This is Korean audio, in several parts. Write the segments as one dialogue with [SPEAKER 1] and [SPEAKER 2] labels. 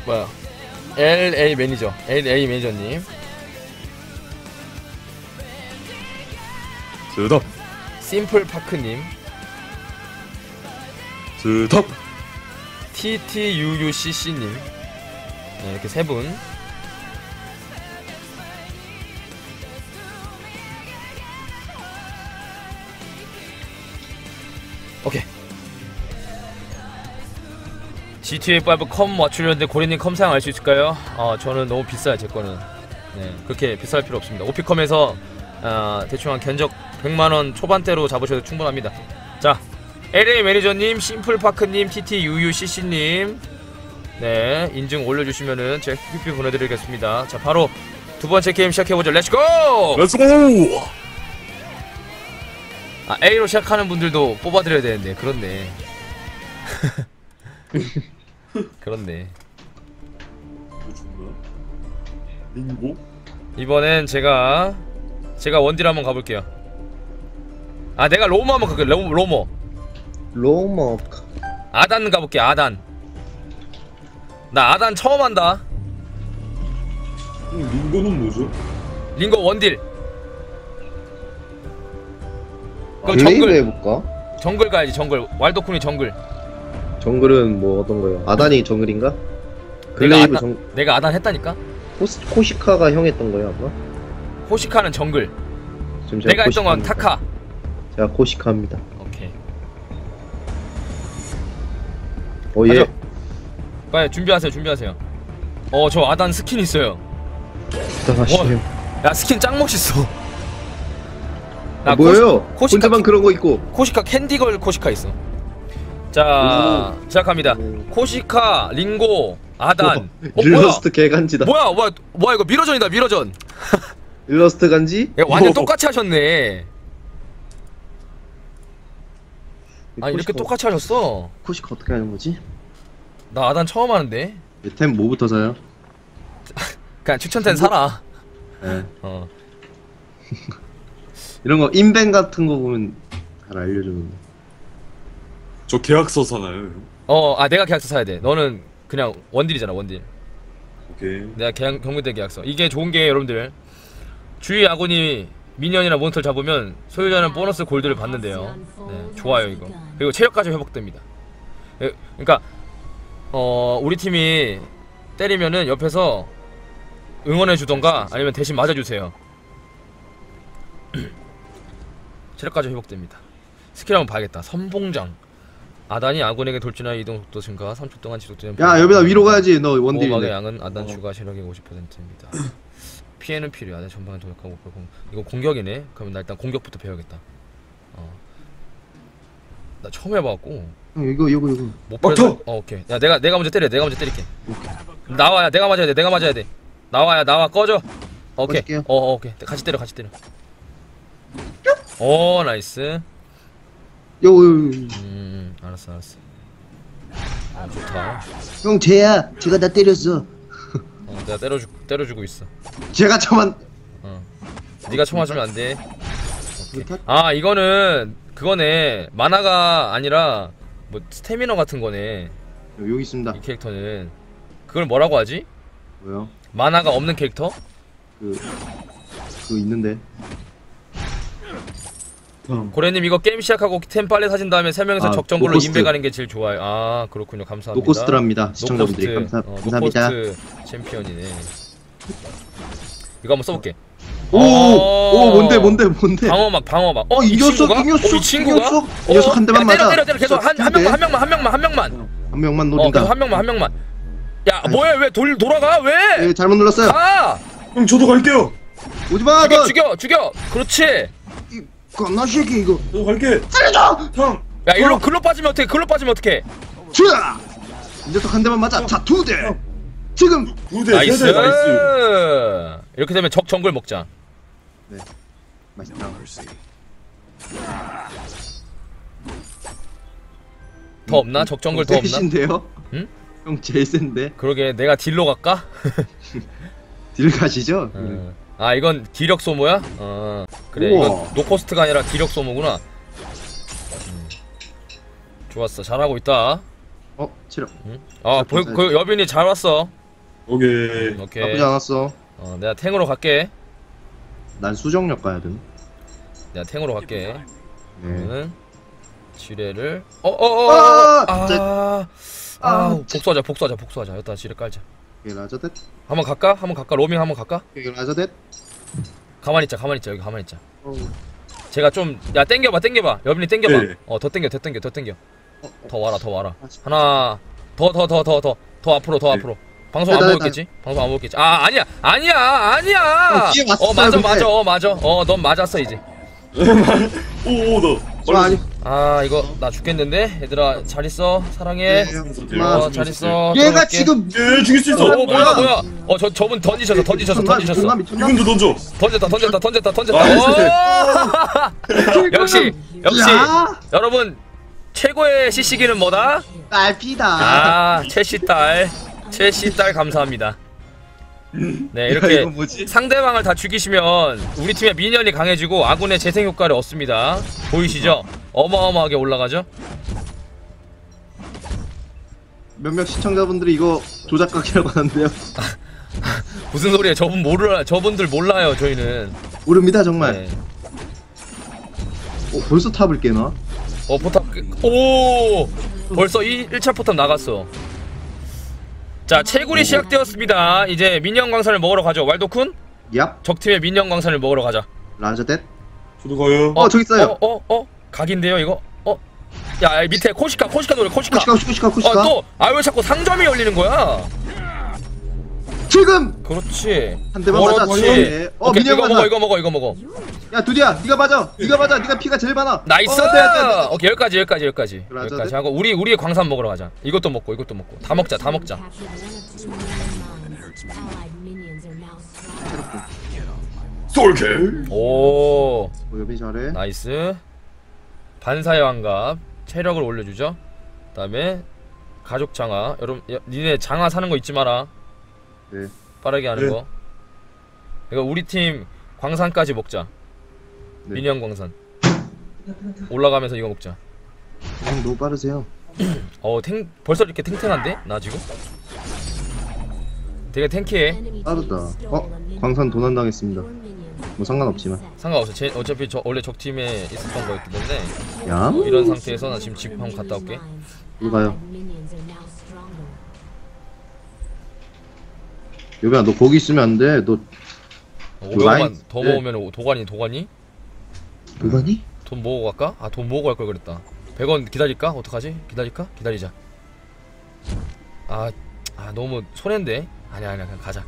[SPEAKER 1] 뭐야 LA 매니저님
[SPEAKER 2] 스톱
[SPEAKER 1] 심플파크님
[SPEAKER 2] 스톱
[SPEAKER 1] TTUUCC님 네, 이렇게 세 분. 오케이. GTA5 컴 맞추려는데 고래님 컴 사양 알 수 있을까요? 저는 너무 비싸요 제 거는. 네, 그렇게 비쌀 필요 없습니다. 오피컴에서 대충 한 견적 100만원 초반대로 잡으셔도 충분합니다. 자, LA 매니저님, 심플파크님, TTUUCC님 네, 인증 올려주시면은 제가 큐피 보내드리겠습니다. 자, 바로 두 번째 게임 시작해보죠. 렛츠고!
[SPEAKER 2] 렛츠고!
[SPEAKER 1] A로 시작하는 분들도 뽑아드려야 되는데 그렇네. 그렇네.
[SPEAKER 2] 링고?
[SPEAKER 1] 이번엔 제가 원딜 한번 가볼게요. 내가 로머 한번 가볼게요. 로머 아단 가볼게. 아단. 나 아단 처음 한다.
[SPEAKER 2] 링고는 뭐죠?
[SPEAKER 1] 링고 원딜. 그럼
[SPEAKER 3] 블레이드 해볼까?
[SPEAKER 1] 정글 가야지. 정글. 왈도쿤이 정글.
[SPEAKER 3] 정글은 뭐 어떤 거요? 아단이 정글인가?
[SPEAKER 1] 내가 아단 했다니까?
[SPEAKER 3] 코시카가 형 했던 거예요 아마?
[SPEAKER 1] 코시카는 정글.
[SPEAKER 3] 지금
[SPEAKER 1] 내가 했던 건 타카.
[SPEAKER 3] 제가 코시카입니다.
[SPEAKER 1] 오케이.
[SPEAKER 3] 예.
[SPEAKER 1] 빨리 준비하세요. 저 아단 스킨 있어요.
[SPEAKER 3] 부탁하시네요.
[SPEAKER 1] 야, 스킨 짱 멋있어.
[SPEAKER 3] 뭐예요?
[SPEAKER 1] 코시카
[SPEAKER 3] 혼자만 그런 거 있고.
[SPEAKER 1] 코시카 캔디걸 코시카 있어. 자, 시작합니다. 코시카, 링고, 아단.
[SPEAKER 3] 일러스트 개간지다.
[SPEAKER 1] 뭐야 이거 미러전이다. 미러전.
[SPEAKER 3] 일러스트 간지?
[SPEAKER 1] 야, 완전 똑같이 하셨네. 이렇게 똑같이 하셨어.
[SPEAKER 3] 코시카 어떻게 하는 거지?
[SPEAKER 1] 나 아단 처음 하는데.
[SPEAKER 3] 템 뭐부터 사요?
[SPEAKER 1] 그냥 추천템 사라.
[SPEAKER 3] 네.
[SPEAKER 4] 이런 거 인벤 같은 거 보면 잘 알려주는데.
[SPEAKER 2] 저 계약서 사나요?
[SPEAKER 1] 내가 계약서 사야 돼. 너는 그냥 원딜이잖아, 원딜.
[SPEAKER 2] 오케이.
[SPEAKER 1] 내가 경무대 계약서. 이게 좋은 게 여러분들 주위 아군이 미니언이나 몬스터를 잡으면 소유자는 보너스 골드를 받는데요. 네, 좋아요 이거. 그리고 체력까지 회복됩니다. 그러니까 우리 팀이 때리면은 옆에서 응원해 주던가 아니면 대신 맞아주세요. 체력까지 회복됩니다. 스킬 한번 봐야겠다. 선봉장. 아단이 아군에게 돌진하여 이동 속도 증가 3초 동안 지속되는.
[SPEAKER 4] 야 여기다 위로 가야지. 너 원딜인데.
[SPEAKER 1] 보호막의 양은 아단 추가 체력의 50%입니다. 피해는 필요. 아단 전방에 도약하고 이거 공격이네. 그러면 나 일단 공격부터 배워야겠다. 나 처음 해봐갖고.
[SPEAKER 4] 형 이거.
[SPEAKER 1] 못 배워. 오케이. 야 내가 먼저 때려. 내가 먼저 때릴게. 나와야 내가 맞아야 돼. 내가 맞아야 돼. 나와 꺼져. 오케이.
[SPEAKER 4] 꺼질게요.
[SPEAKER 1] 오케이. 같이 때려. 나이스. 알았어. 좋다.
[SPEAKER 4] 형 쟤야. 제가 나 때렸어.
[SPEAKER 1] 내가 때려주고 있어.
[SPEAKER 4] 제가 저만.
[SPEAKER 1] 네가 총 맞으면 안 돼. 이거는 그거네. 만화가 아니라 뭐 스태미너 같은 거네.
[SPEAKER 4] 여기 있습니다.
[SPEAKER 1] 이 캐릭터는 그걸 뭐라고 하지?
[SPEAKER 4] 뭐요?
[SPEAKER 1] 만화가 없는 캐릭터?
[SPEAKER 4] 그거 있는데.
[SPEAKER 1] 고래님 이거 게임 시작하고 템 빨리 사신 다음에 3명이서 적정글로
[SPEAKER 4] 노코스트.
[SPEAKER 1] 인베 가는 게 제일 좋아요. 그렇군요. 감사합니다.
[SPEAKER 4] 노코스트랍니다. 시청자분들이 감사합니다.
[SPEAKER 1] 노코스트 챔피언이네. 이거 한번 써볼게.
[SPEAKER 4] 뭔데?
[SPEAKER 1] 방어막.
[SPEAKER 4] 이 녀석.
[SPEAKER 1] 이 친구가?
[SPEAKER 4] 이 녀석 한 대만 맞아.
[SPEAKER 1] 때려. 계속 한 명만.
[SPEAKER 4] 한 명만 노린다.
[SPEAKER 1] 계속 한 명만. 야, 뭐야? 왜 돌아가? 왜?
[SPEAKER 4] 예, 잘못 눌렀어요.
[SPEAKER 2] 형 저도 갈게요.
[SPEAKER 4] 오지마.
[SPEAKER 1] 죽여. 그렇지.
[SPEAKER 4] 나 새끼 이거.
[SPEAKER 2] 저도 갈게.
[SPEAKER 4] 살려줘.
[SPEAKER 2] 형.
[SPEAKER 1] 야, 일로 글로 빠지면 어떡해?
[SPEAKER 4] 자, 이 녀석 한 대만 맞아. 자, 2대. 지금.
[SPEAKER 2] 2대
[SPEAKER 1] 나이스.
[SPEAKER 2] 3대 나이스.
[SPEAKER 1] 이렇게 되면 적 정글 먹자.
[SPEAKER 4] 네. 맛있다.
[SPEAKER 1] 더 없나? 적 정글 더 없나?
[SPEAKER 4] 세신데요?
[SPEAKER 1] 응?
[SPEAKER 4] 형 제일 센데.
[SPEAKER 1] 그러게 내가 딜로 갈까?
[SPEAKER 4] 딜 가시죠?
[SPEAKER 1] 이건 기력 소모야? 그래.
[SPEAKER 4] 우와.
[SPEAKER 1] 이건 노코스트가 아니라 기력 소모구나. 좋았어. 잘하고 있다.
[SPEAKER 4] 체력.
[SPEAKER 1] 그 여빈이 잘 왔어.
[SPEAKER 2] 오케이.
[SPEAKER 1] 오케이.
[SPEAKER 4] 나쁘지 않았어.
[SPEAKER 1] 내가 탱으로 갈게.
[SPEAKER 4] 난 수정력 가야 돼.
[SPEAKER 1] 내가 탱으로 갈게.
[SPEAKER 4] 네.
[SPEAKER 1] 그러면 지뢰를 복수하자. 여기다 지뢰 깔자.
[SPEAKER 4] 이게 라자댓.
[SPEAKER 1] 한번 갈까? 로밍 한번 갈까?
[SPEAKER 4] 이게 라자댓.
[SPEAKER 1] 가만히 있자. 여기 가만히 있자. 제가 좀 땡겨봐. 여빈이 땡겨봐.
[SPEAKER 2] 네.
[SPEAKER 1] 더 땡겨. 더 와라. 하나 더 앞으로. 방송 안 보고 있겠지? 아니야.
[SPEAKER 4] 뒤에 왔었어요,
[SPEAKER 1] 맞아. 넌 맞았어 이제.
[SPEAKER 2] 오, 나.
[SPEAKER 4] 아니.
[SPEAKER 1] 이거 나 죽겠는데? 얘들아 잘 있어. 사랑해. 잘 있어.
[SPEAKER 4] 얘가
[SPEAKER 1] 들어갈게.
[SPEAKER 4] 지금
[SPEAKER 2] 예, 죽일 수 있어.
[SPEAKER 1] 뭐야? 저분 던지셨어.
[SPEAKER 4] 미쳤나?
[SPEAKER 2] 이분도 던져.
[SPEAKER 1] 던졌다. 역시
[SPEAKER 4] 야!
[SPEAKER 1] 여러분 최고의 CC기는 뭐다?
[SPEAKER 4] 딸피다.
[SPEAKER 1] 채씨 딸 감사합니다. 네,
[SPEAKER 4] 이거
[SPEAKER 1] 이렇게
[SPEAKER 4] 뭐지?
[SPEAKER 1] 상대방을 다 죽이시면 우리 팀의 미니언이 강해지고 아군의 재생 효과를 얻습니다. 보이시죠? 어마어마하게 올라가죠?
[SPEAKER 4] 몇몇 시청자분들이 이거 조작각이라고 하는데요.
[SPEAKER 1] 무슨 소리예요? 저분들 몰라요. 저희는.
[SPEAKER 4] 모릅니다 정말.
[SPEAKER 1] 네.
[SPEAKER 4] 벌써 탑을 깨나?
[SPEAKER 1] 포탑 벌써 1차 포탑 나갔어. 자, 채굴이 시작되었습니다. 이제 민영 광산을 먹으러 가죠. 왈도쿤?
[SPEAKER 4] 얍.
[SPEAKER 1] 적팀의 민영 광산을 먹으러 가자.
[SPEAKER 4] 라자댓.
[SPEAKER 2] 저도 가요.
[SPEAKER 4] 저기 있어요.
[SPEAKER 1] 각인데요, 이거? 야, 밑에 코시카 노래, 코시카.
[SPEAKER 4] 코시카.
[SPEAKER 1] 왜 자꾸 상점이 열리는 거야?
[SPEAKER 4] 지금.
[SPEAKER 1] 그렇지.
[SPEAKER 4] 한 대만 맞아.
[SPEAKER 1] 그렇지. 오케이,
[SPEAKER 4] 민영
[SPEAKER 1] 이거 먹어.
[SPEAKER 4] 야 두디야, 네가 맞아. 네가 피가 제일 많아.
[SPEAKER 1] 나이스!
[SPEAKER 4] 네.
[SPEAKER 1] 오케이, 여기까지
[SPEAKER 4] 그래,
[SPEAKER 1] 하고 우리의 광산 먹으러 가자. 이것도 먹고 다 먹자.
[SPEAKER 2] 솔킬.
[SPEAKER 1] 오,
[SPEAKER 4] 여비 잘해.
[SPEAKER 1] 나이스. 반사의 환갑 체력을 올려주죠. 그다음에 가족 장화. 여러분, 니네 장화 사는 거 잊지 마라.
[SPEAKER 4] 네.
[SPEAKER 1] 빠르게 하는
[SPEAKER 2] 네.
[SPEAKER 1] 거. 이거 우리 팀 광산까지 먹자.
[SPEAKER 4] 네.
[SPEAKER 1] 민영 광산. 올라가면서 이거 먹자.
[SPEAKER 4] 너무 빠르세요.
[SPEAKER 1] 벌써 이렇게 탱탱한데? 나 지금? 되게 탱키해.
[SPEAKER 4] 빠르다. 광산 도난당했습니다. 뭐 상관없지만.
[SPEAKER 1] 상관없어. 어차피 원래 적팀에 있었던 거였기 때문에.
[SPEAKER 4] 야?
[SPEAKER 1] 이런 상태에서 나 지금 집 한번 갔다 올게.
[SPEAKER 4] 이리 가요. 여비야, 너 거기 있으면 안 돼. 너
[SPEAKER 1] 500만
[SPEAKER 4] 라인-
[SPEAKER 1] 더
[SPEAKER 4] 네.
[SPEAKER 1] 모으면 도가니?
[SPEAKER 4] 누가니?
[SPEAKER 1] 돈 모으고 갈까? 돈 모으고 갈 걸 그랬다. 100원 기다릴까? 어떡하지? 기다리자. 너무 손해인데? 아니야, 그냥 가자.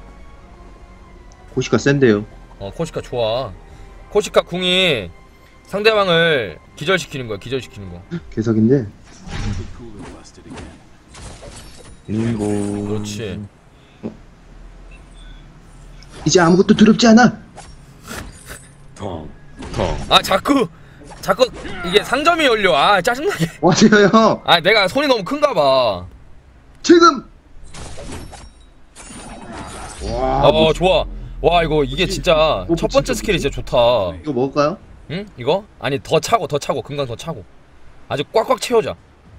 [SPEAKER 4] 고시가 센데요.
[SPEAKER 1] 코시카 좋아. 코시카 궁이 상대방을 기절시키는 거야.
[SPEAKER 4] 개석인데.
[SPEAKER 1] 그렇지.
[SPEAKER 4] 이제 아무것도 두렵지 않아.
[SPEAKER 2] 텅.
[SPEAKER 1] 자꾸 이게 상점이 열려. 짜증나게.
[SPEAKER 4] 어디요?
[SPEAKER 1] 내가 손이 너무 큰가 봐.
[SPEAKER 4] 지금. 와.
[SPEAKER 1] 좋아. 와, 이게 진짜 첫 번째 스킬이 진짜 좋다.
[SPEAKER 4] 이거 먹을까요?
[SPEAKER 1] 응? 이거? 아니, 더 차고 금강 더 차고. 아주 꽉꽉 채워자.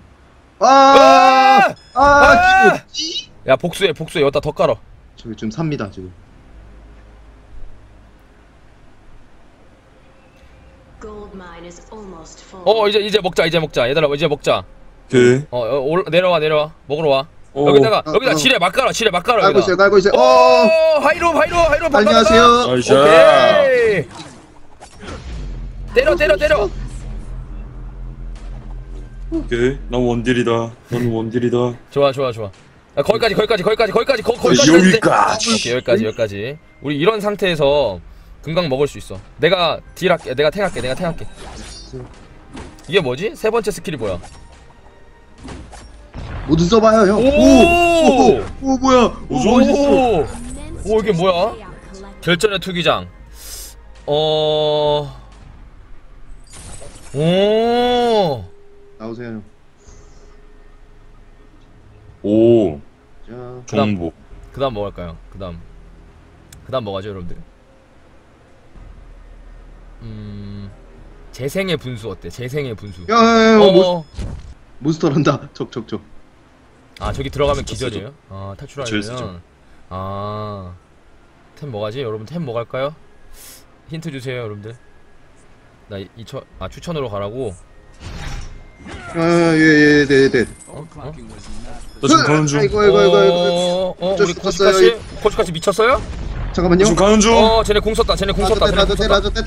[SPEAKER 4] 기분지?
[SPEAKER 1] 야, 복수해. 여기다 더 깔아.
[SPEAKER 4] 저기 좀 삽니다 지금.
[SPEAKER 1] 이제 먹자. 얘들아, 이제 먹자.
[SPEAKER 2] 오케이.
[SPEAKER 1] 내려와. 먹으러 와. 여기다가 지뢰 막 깔아.
[SPEAKER 4] 깔고 있어요.
[SPEAKER 1] 하이로
[SPEAKER 4] 안녕하세요.
[SPEAKER 1] 오케이. 때려.
[SPEAKER 2] 오케이. 난 원딜이다. 넌 원딜이다.
[SPEAKER 1] 좋아. 거기까지.
[SPEAKER 2] 여기까지.
[SPEAKER 1] 오케이, 여기까지. 우리 이런 상태에서 금강 먹을 수 있어. 내가 딜할게. 내가 탱할게. 이게 뭐지? 세 번째 스킬이 뭐야?
[SPEAKER 4] 모두 써봐요 형. 오 뭐야?
[SPEAKER 1] 오, 이게 뭐야? 결전의 투기장.
[SPEAKER 4] 나오세요 형.
[SPEAKER 2] 오.
[SPEAKER 4] 자,
[SPEAKER 2] 정복.
[SPEAKER 1] 그다음 뭐 할까요? 그다음 뭐 하죠, 여러분들? 재생의 분수 어때? 재생의 분수.
[SPEAKER 4] 야, 몬스터란다. 적.
[SPEAKER 1] 아 저기 들어가면 기절이에요? 아
[SPEAKER 2] 기절 쓰죠.
[SPEAKER 1] 탈출하면 아 템 뭐가지? 여러분 템 뭐 갈까요? 힌트 주세요 여러분들. 나 추천으로 가라고.
[SPEAKER 3] 아예예 네네.
[SPEAKER 1] 어?
[SPEAKER 2] 나 지금 가는 중.
[SPEAKER 3] 아이고
[SPEAKER 1] 우리
[SPEAKER 3] 저
[SPEAKER 1] 코치카시? 코치카시 미쳤어요?
[SPEAKER 3] 잠깐만요.
[SPEAKER 2] 지금 가는 중.
[SPEAKER 1] 쟤네 궁 썼다 쟤네 궁 썼다 쟤네 궁 썼다.
[SPEAKER 3] 라저댓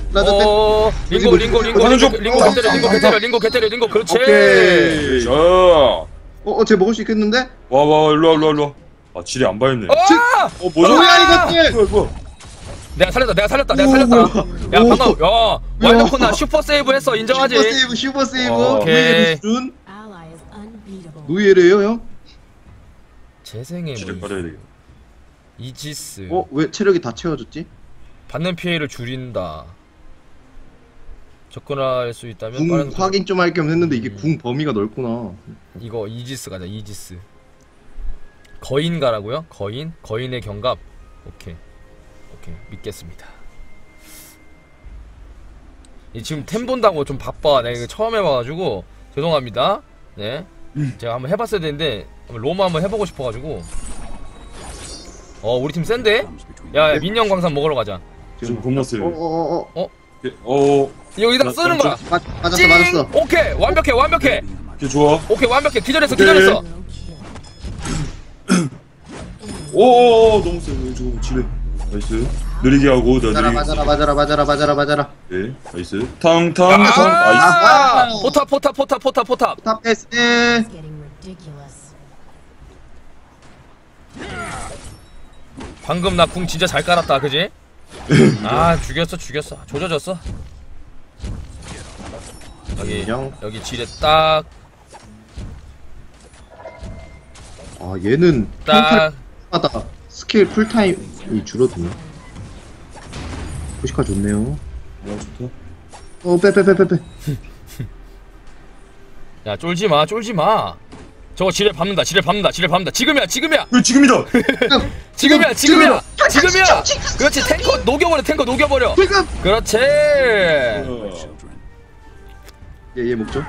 [SPEAKER 1] 링고 개때려 그렇지.
[SPEAKER 2] 오케이. 자.
[SPEAKER 3] 쟤 먹을 수 있겠는데?
[SPEAKER 2] 와 일로 와. 아 지뢰 안 밟네. 뭐죠?
[SPEAKER 3] 뭐야 이것들?
[SPEAKER 2] 뭐야?
[SPEAKER 1] 내가 살렸다 야
[SPEAKER 3] 오.
[SPEAKER 1] 방금 야 와이드콘 나 슈퍼 세이브 했어 인정하지?
[SPEAKER 3] 슈퍼 세이브.
[SPEAKER 1] 오케이.
[SPEAKER 3] 노예래요 형?
[SPEAKER 1] 재생의
[SPEAKER 2] 지뢰
[SPEAKER 1] 물
[SPEAKER 2] 깔아야 되겠다.
[SPEAKER 1] 이지스
[SPEAKER 3] 왜 체력이 다 채워졌지?
[SPEAKER 1] 받는 피해를 줄인다. 접근할 수 있다면
[SPEAKER 3] 궁
[SPEAKER 1] 빠른
[SPEAKER 3] 확인 좀 할 겸 했는데 이게 궁 범위가 넓구나.
[SPEAKER 1] 이거 이지스 가자. 이지스 거인가라고요? 거인의 경갑. 오케이 믿겠습니다. 지금 템 본다고 좀 바빠. 내가 이거 처음 해봐가지고 죄송합니다. 네 제가 한번 해봤어야 되는데 로마 한번 해보고 싶어가지고. 우리 팀 센데? 야 민영 광산 먹으러 가자.
[SPEAKER 2] 지금 겁나 세요.
[SPEAKER 1] 여기다 쓰는 거야.
[SPEAKER 3] 맞았어.
[SPEAKER 1] 오케이 완벽해.
[SPEAKER 2] 오케이 좋아.
[SPEAKER 1] 오케이 완벽해. 기절했어.
[SPEAKER 2] 너무 세. 지금 지뢰. 나이스. 느리게 하고 나 느리게.
[SPEAKER 3] 맞아라.
[SPEAKER 2] 네, 나이스. 탕탕. 나이스.
[SPEAKER 1] 포탑.
[SPEAKER 3] 탑 패스.
[SPEAKER 1] 방금 나 궁 진짜 잘 깔았다, 그지? 아 죽였어. 조져졌어. 여기 지뢰 딱.
[SPEAKER 3] 얘는
[SPEAKER 1] 딱.
[SPEAKER 3] 하다 스킬 풀타임이 줄어드네. 포시카 좋네요.
[SPEAKER 2] 좋다.
[SPEAKER 3] 빼.
[SPEAKER 1] 야 쫄지 마. 저거 지뢰 밟는다. 지금이야.
[SPEAKER 2] 왜 지금이다.
[SPEAKER 1] 지금이야. 그렇지. 탱커 녹여버려.
[SPEAKER 3] 지금.
[SPEAKER 1] 그렇지.
[SPEAKER 3] 얘 먹죠.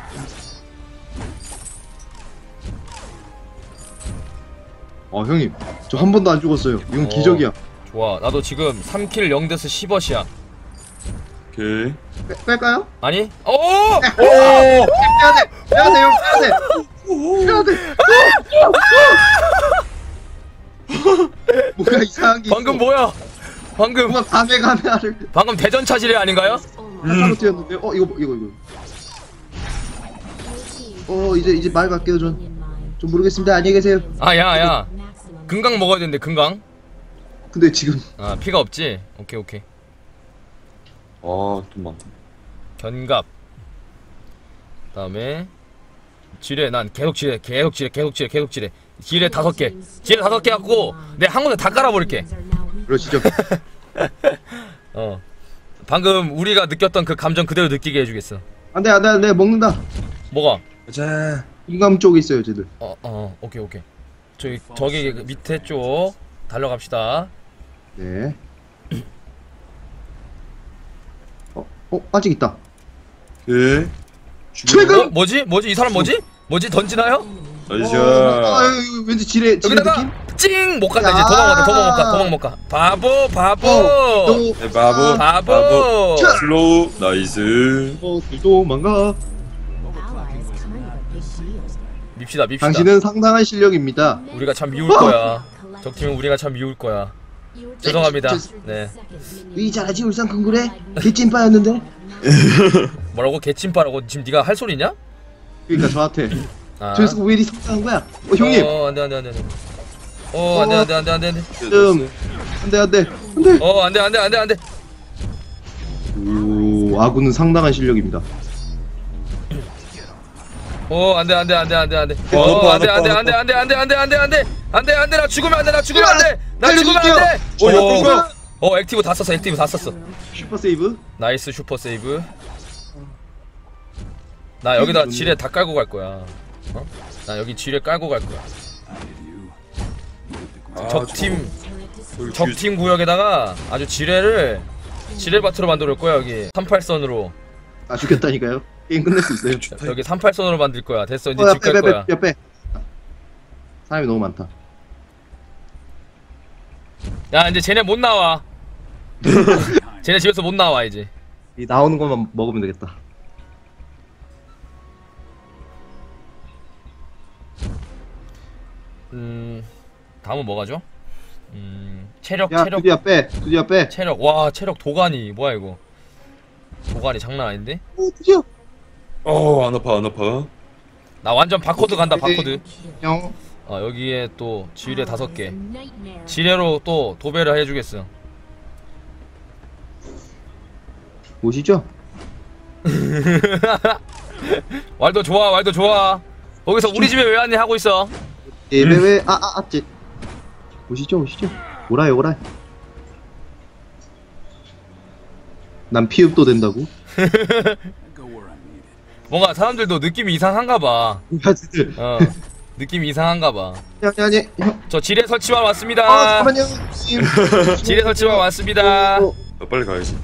[SPEAKER 3] 형님 저 한 번도 안 죽었어요. 이건 기적이야.
[SPEAKER 1] 좋아. 나도 지금 3킬 0데스 10어시야.
[SPEAKER 2] 오케이.
[SPEAKER 3] 뺄까요?
[SPEAKER 1] 아니?
[SPEAKER 3] 빼야 돼. 뭔가 이상한 게
[SPEAKER 1] 방금
[SPEAKER 3] 있어.
[SPEAKER 1] 뭐야?
[SPEAKER 3] 뭔가 가메가메를
[SPEAKER 1] 방금 대전차 지뢰 아닌가요?
[SPEAKER 3] 하나로 뛰었는데 이거 이제 말 갈게요. 좀 모르겠습니다. 안녕히 계세요.
[SPEAKER 1] 야 금강 먹어야 되는데 금강.
[SPEAKER 3] 근데 지금
[SPEAKER 1] 피가 없지? 오케이
[SPEAKER 2] 좀 많다.
[SPEAKER 1] 견갑. 그다음에 지뢰. 난 계속 지뢰. 지뢰 5개 갖고 내 한 군데 다 깔아버릴게.
[SPEAKER 3] 그러시죠.
[SPEAKER 1] 방금 우리가 느꼈던 그 감정 그대로 느끼게 해주겠어.
[SPEAKER 3] 안돼 먹는다.
[SPEAKER 1] 뭐가?
[SPEAKER 2] 가자.
[SPEAKER 3] 인감 쪽에 있어요 쟤들.
[SPEAKER 1] 오케이 저기 밑에 쪽 달려갑시다.
[SPEAKER 3] 네. 아직 있다.
[SPEAKER 2] 오케이.
[SPEAKER 3] 최근.
[SPEAKER 1] 뭐지? 이 사람 뭐지? 던지나요?
[SPEAKER 2] 나이스.
[SPEAKER 3] 왠지 지뢰
[SPEAKER 1] 여기다가
[SPEAKER 3] 느낌?
[SPEAKER 1] 찡! 못 간다. 이제 도망 못 가. 바보.
[SPEAKER 2] 네, 바보. 슬로우. 나이스.
[SPEAKER 3] 도망가.
[SPEAKER 1] 밉시다.
[SPEAKER 3] 당신은 상당한 실력입니다.
[SPEAKER 1] 우리가 참 미울 거야. 적팀은 우리가 참 미울 거야. 죄송합니다. 네.
[SPEAKER 3] 이 잘하지 울산 큰구래? 개찐빠였는데?
[SPEAKER 1] 뭐라고? 개침바라고 지금 네가 할 소리냐?
[SPEAKER 3] 그러니까 저한테 저기서 왜 이리 성장한 거야? 형님!
[SPEAKER 1] 안돼. 안돼. 안돼.
[SPEAKER 3] 오, 아군은 상당한 실력입니다.
[SPEAKER 1] 안돼. 나 죽으면 안돼. 액티브 다 썼어.
[SPEAKER 3] 슈퍼 세이브?
[SPEAKER 1] 나이스 슈퍼 세이브. 나 여기다 지뢰 다 깔고 갈 거야. 나 여기 지뢰 깔고 갈 거야. 적팀 구역에다가 아주 지뢰밭으로 만들 거야. 여기 38선으로.
[SPEAKER 3] 죽였다니까요? 게임 끝낼 수 있어요.
[SPEAKER 1] 여기 38선으로 만들 거야. 됐어. 이제 집 갈 거야.
[SPEAKER 3] 빼.
[SPEAKER 4] 사람이 너무 많다.
[SPEAKER 1] 야 이제 쟤네 못 나와. 쟤네 집에서 못 나와 이제.
[SPEAKER 4] 이 나오는 것만 먹으면 되겠다.
[SPEAKER 1] 다음은 뭐가죠? 체력
[SPEAKER 4] 야,
[SPEAKER 1] 체력
[SPEAKER 4] 두디야 빼. 두디야 빼.
[SPEAKER 1] 체력. 와 체력 도가니 뭐야 이거. 도가니 장난 아닌데?
[SPEAKER 4] 오, 두디야.
[SPEAKER 2] 안 아파 안 아파.
[SPEAKER 1] 나 완전 바코드 간다 바코드.
[SPEAKER 4] 형.
[SPEAKER 1] 여기에 또 지뢰 5개. 지뢰로 또 도배를 해주겠어.
[SPEAKER 4] 보시죠.
[SPEAKER 1] 왈도 좋아 왈도 좋아. 거기서 우리 집에 왜 왔니 하고 있어.
[SPEAKER 4] 예배왜 찌. 오시죠 오시죠. 오라요 오라요. 난 피읍도 된다고?
[SPEAKER 1] 뭔가 사람들도 느낌이 이상한가 봐.
[SPEAKER 4] 야지들.
[SPEAKER 1] 느낌이 이상한가 봐.
[SPEAKER 4] 아니 형.
[SPEAKER 1] 저 지뢰 설치만 왔습니다.
[SPEAKER 4] 잠깐만요.
[SPEAKER 1] 지뢰 설치만 왔습니다.
[SPEAKER 2] 빨리 가야지.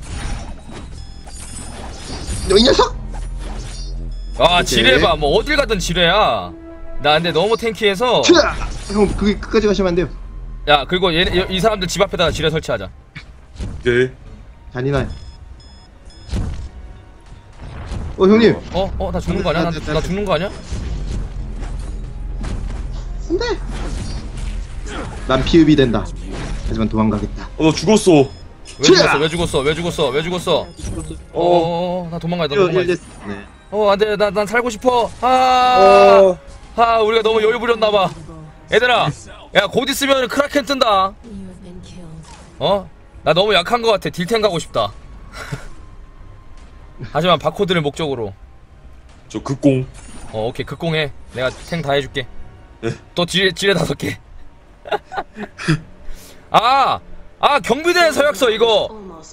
[SPEAKER 4] 이 녀석.
[SPEAKER 1] 아 지뢰 봐. 뭐 어딜 가든 지뢰야. 나 근데 너무 탱키해서.
[SPEAKER 4] 형 그게 끝까지 가시면 안 돼요.
[SPEAKER 1] 야 그리고 이 사람들 집 앞에다가 지뢰 설치하자.
[SPEAKER 2] 오케이.
[SPEAKER 4] 잔인해. 형님.
[SPEAKER 1] 나 죽는 거 아니야? 나 죽는 거 아니야?
[SPEAKER 4] 안돼. 난 피읍이 된다. 하지만 도망가겠다.
[SPEAKER 2] 나 죽었어.
[SPEAKER 1] 왜 죽었어? 왜 죽었어? 왜 죽었어? 왜 죽었어? 나 도망가야 돼. 도망가야 돼.
[SPEAKER 4] 네.
[SPEAKER 1] 안돼. 난 살고 싶어. 우리가 너무 여유 부렸나봐. 얘들아, 야 곧 있으면 크라켄 뜬다. 나 너무 약한 것 같아. 딜탱 가고 싶다. 하지만 바코드를 목적으로.
[SPEAKER 2] 저 극공.
[SPEAKER 1] 오케이 극공해. 내가 탱 다 해줄게.
[SPEAKER 2] 네.
[SPEAKER 1] 또 지뢰 5개. 경비대 서약서 이거.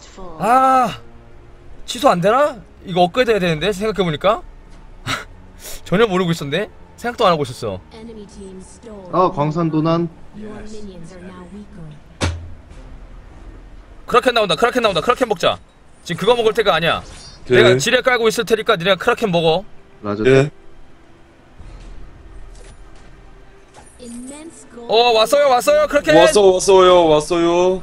[SPEAKER 1] 취소 안 되나? 이거 업그레이드 해야 되는데 생각해보니까. 전혀 모르고 있었네. 생각도 안 하고 있었어.
[SPEAKER 4] 광산 도난.
[SPEAKER 1] 크라켄 나온다. 크라켄 먹자. 지금 그거 먹을 때가 아니야.
[SPEAKER 2] 오케이.
[SPEAKER 1] 내가 지뢰 깔고 있을 테니까 니네가 크라켄 먹어.
[SPEAKER 4] 맞아.
[SPEAKER 2] 예.
[SPEAKER 1] 왔어요 크라켄.
[SPEAKER 2] 왔어요.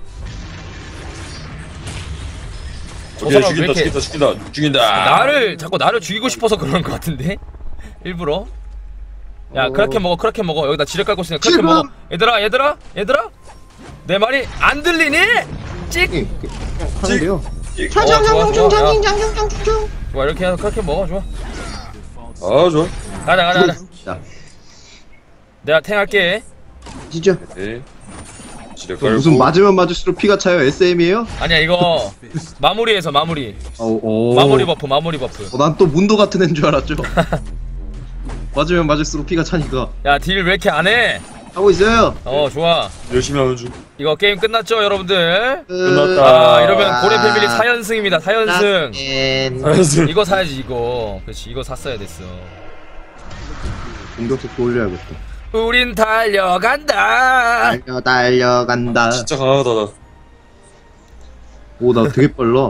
[SPEAKER 1] 저
[SPEAKER 2] 오케이,
[SPEAKER 1] 사람 왜 이렇게
[SPEAKER 2] 죽인다.
[SPEAKER 1] 자꾸 나를 죽이고 싶어서 그러는 것 같은데. 일부러. 야 크라켄 먹어. 여기다 지뢰 깔고 있으니까 크라켄 먹어. 얘들아 내 말이 안 들리니? 찍.
[SPEAKER 4] 하는데요.
[SPEAKER 1] 좋아 이렇게 해서 크라켄 먹어. 좋아.
[SPEAKER 2] 좋아.
[SPEAKER 1] 가자.
[SPEAKER 4] 자,
[SPEAKER 1] 내가 탱 할게.
[SPEAKER 4] 진짜.
[SPEAKER 2] 네. 지뢰
[SPEAKER 4] 저 무슨 맞으면 맞을수록 피가 차요. SM이에요?
[SPEAKER 1] 아니야 이거 마무리. 마무리 버프.
[SPEAKER 4] 난 또 문도 같은 애인 줄 알았죠. 맞으면 맞을수록 피가 차니까.
[SPEAKER 1] 야 딜 왜 이렇게 안 해?
[SPEAKER 4] 하고 있어요.
[SPEAKER 1] 좋아.
[SPEAKER 2] 열심히 하는 중.
[SPEAKER 1] 이거 게임 끝났죠 여러분들?
[SPEAKER 2] 끝났다.
[SPEAKER 1] 이러면 고래 패밀리 4연승입니다. 4연승.
[SPEAKER 2] 알았어.
[SPEAKER 1] 이거 사야지 이거. 그렇지 이거 샀어야 됐어.
[SPEAKER 4] 공격 속도 올려야겠다.
[SPEAKER 1] 우린 달려간다.
[SPEAKER 4] 달려간다.
[SPEAKER 2] 진짜 강하다 나.
[SPEAKER 4] 오, 나 되게 빨라.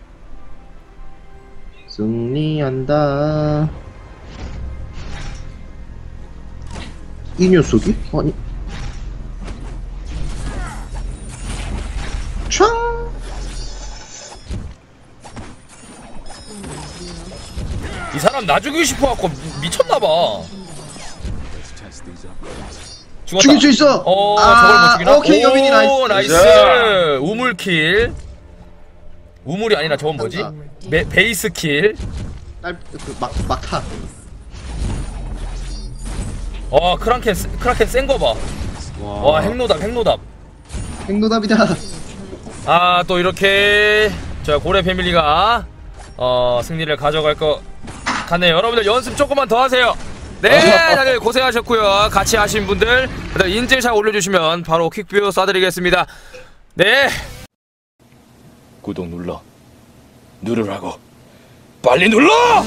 [SPEAKER 4] 승리한다. 이 녀석이? 아니. 촤!
[SPEAKER 1] 이 사람 나 죽이고 싶어갖고 미쳤나봐. 죽었다.
[SPEAKER 4] 죽일 수 있어!
[SPEAKER 1] 저걸 못 죽이나?
[SPEAKER 4] 오케이, 여빈이 나이스.
[SPEAKER 1] 나이스. 우물킬. 우물이 아니라 저건 뭐지? 베이스킬.
[SPEAKER 4] 막타.
[SPEAKER 1] 크라켄 센거 봐. 와, 핵노답.
[SPEAKER 4] 행노답이다.
[SPEAKER 1] 또 이렇게 저 고래 패밀리가 승리를 가져갈 것 같네요. 여러분들 연습 조금만 더 하세요. 네, 다들 고생하셨고요. 같이 하신 분들 다들 인증샷 올려주시면 바로 퀵뷰 쏴드리겠습니다. 네.
[SPEAKER 5] 구독 누르라고 빨리 눌러!